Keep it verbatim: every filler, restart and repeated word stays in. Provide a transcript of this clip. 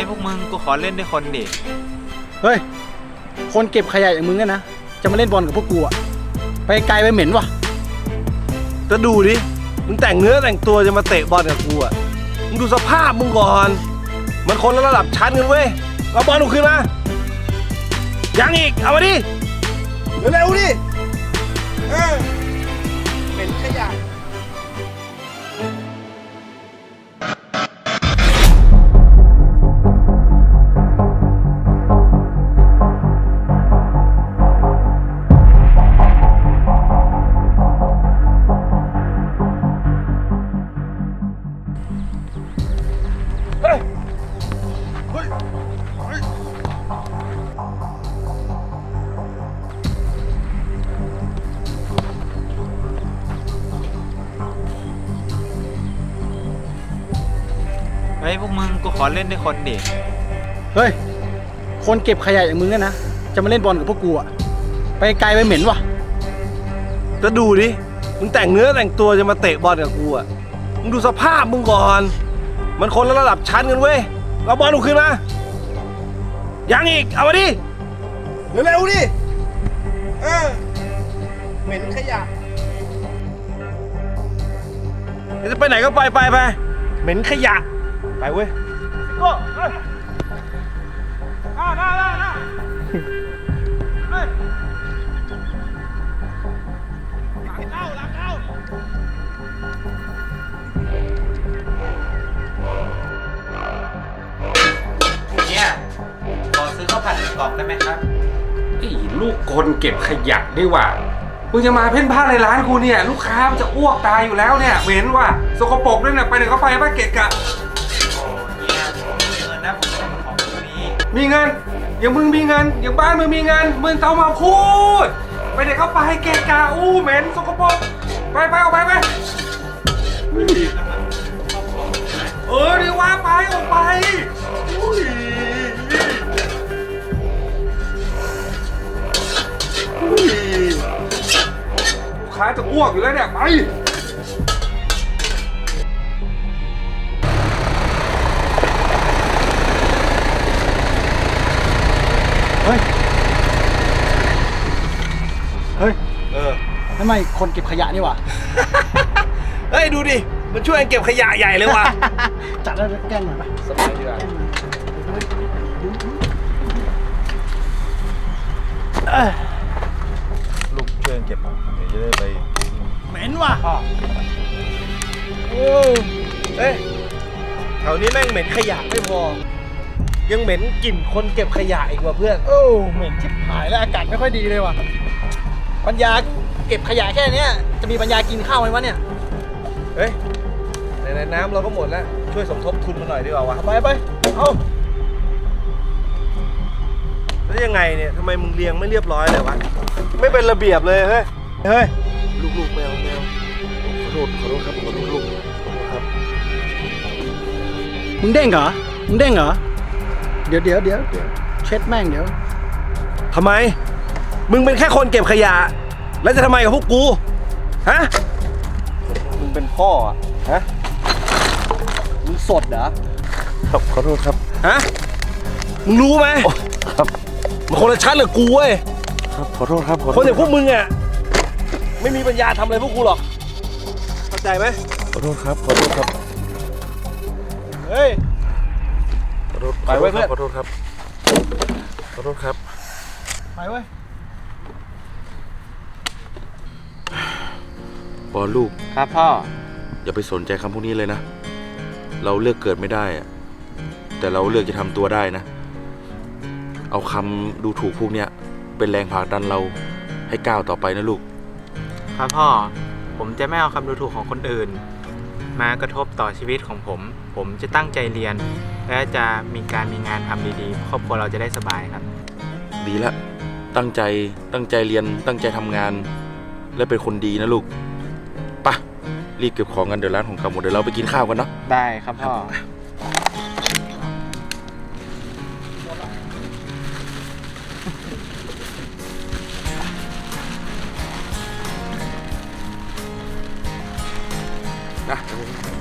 พวกมึงกูขอเล่นด้วยคนดิเฮ้ยคนเก็บขยะอย่างมึงนะจะมาเล่นบอลกับพวกกูอะไปไกลไปเหม็นวะจะดูดิมึงแต่งเนื้อแต่งตัวจะมาเตะบอลกับกูอ่ะมึงดูสภาพมึงก่อนมันคนละระดับชั้นกันเว้ยเอาบอลลงขึ้นมายังอีกเอามาดิเร็วๆดิเออเหม็นขยะเฮ้ยพวกมึงกูขอเล่นด้วยคนดิเฮ้ยคนเก็บขยะอย่างมึงนะจะมาเล่นบอลกับพวกกูอะไปไกลไปเหม็นวะจะดูดิมึงแต่งเนื้อแต่งตัวจะมาเตะบอลกับกูอ่ะมึงดูสภาพมึงก่อนมันคนละระดับชั้นกันเว้ยเอาบอลลงขึ้นมายังอีกเอามาดิเร็วๆดิเออเหม็นขยะจะไปไหนก็ไปไปไปเหม็นขยะไปเว้ยก็เฮ้ยน่าน่าน่าน่าเฮ้ยหลังเข้าหลังเข้าเนี่ยขอซื้อข้าวผัดหนึ่งกล่องได้ไหมครับไอ้ลูกคนเก็บขยะดีว่ามึงจะมาเพ่นพ่านในร้านกูเนี่ยลูกค้ามันจะอ้วกตายอยู่แล้วเนี่ยเหม็นว่ะสกปรกด้วยเนี่ยไปไหนก็ไปบ้าเกะกะเนี่ยผมมีเงินนะผมจะมาของตรงนี้มีเงินอย่างมึงมีเงินอย่างบ้านมึงมีเงินมึงต้องมาพูดไปไหนก็ไปเกะกะอู้เหม็นสกปรกไปไปออกไปไปเออดีว่าไปออกไปลูกค้าจะอ้วกอยู่แล้วเนี่ยไปเฮ้ยเฮ้ยเออทำไมคนเก็บขยะนี่วะเฮ้ยดูดิมันช่วยเก็บขยะใหญ่เลยว่ะจัดแล้วแกล้งหน่อยปะสบายดีกว่าลูกช่วยเก็บเดี๋ยวจะได้ไปเหม็นว่ะโอ้เอ้ยแถวนี้แม่งเหม็นขยะไม่พอยังเหม็นกลิ่นคนเก็บขยะอีกว่ะเพื่อนโอ้เหม็นชิบหายแล้วอากาศไม่ค่อยดีเลยว่ะปัญญาเก็บขยะแค่นี้จะมีปัญญากินข้าวไหมวะเนี่ยเฮ้ยในน้ำเราก็หมดแล้วช่วยสมทบทุนมาหน่อยดีกว่าวะไปไปเอาแล้วยังไงเนี่ยทำไมมึงเรียงไม่เรียบร้อยเลยวะไม่เป็นระเบียบเลยเฮ้ยเฮ้ยลูกๆแมวแมวขอโทษขอโทษครับขอโทษลูกครับมึงเด้งเหรอมึงเด้งเหรอเดี๋ยวเดี๋ยวเดี๋ยวเดี๋ยวเช็ดแม่งเดี๋ยวทำไมมึงเป็นแค่คนเก็บขยะแล้วจะทำไมกับพวกกูฮะมึงเป็นพ่ออะฮะมึงสดเหรอครับขอโทษครับฮะมึงรู้ไหมครับมันคนละชั้นกับกูเว้ยครับขอโทษครับคนอย่างพวกมึงอ่ะไม่มีปัญญาทำอะไรพวกกูหรอกเข้าใจไหมขอโทษครับขอโทษครับเฮ้ยขอโทษไปไว้เพื่อนขอโทษครับขอโทษครับไปเว้ยบอลลูกครับพ่ออย่าไปสนใจคำพวกนี้เลยนะเราเลือกเกิดไม่ได้อะแต่เราเลือกจะทำตัวได้นะเอาคำดูถูกพวกเนี้ยเป็นแรงผลักดันเราให้ก้าวต่อไปนะลูกครับพ่อผมจะไม่เอาคำดูถูกของคนอื่นมากระทบต่อชีวิตของผมผมจะตั้งใจเรียนและจะมีการมีงานทำดีๆครอบครัวเราจะได้สบายครับดีละตั้งใจตั้งใจเรียนตั้งใจทำงานและเป็นคนดีนะลูกไปรีบเก็บของกันเดี๋ยวร้านของเก่าหมดเดี๋ยวเราไปกินข้าวกันเนาะได้ครับพ่อนะ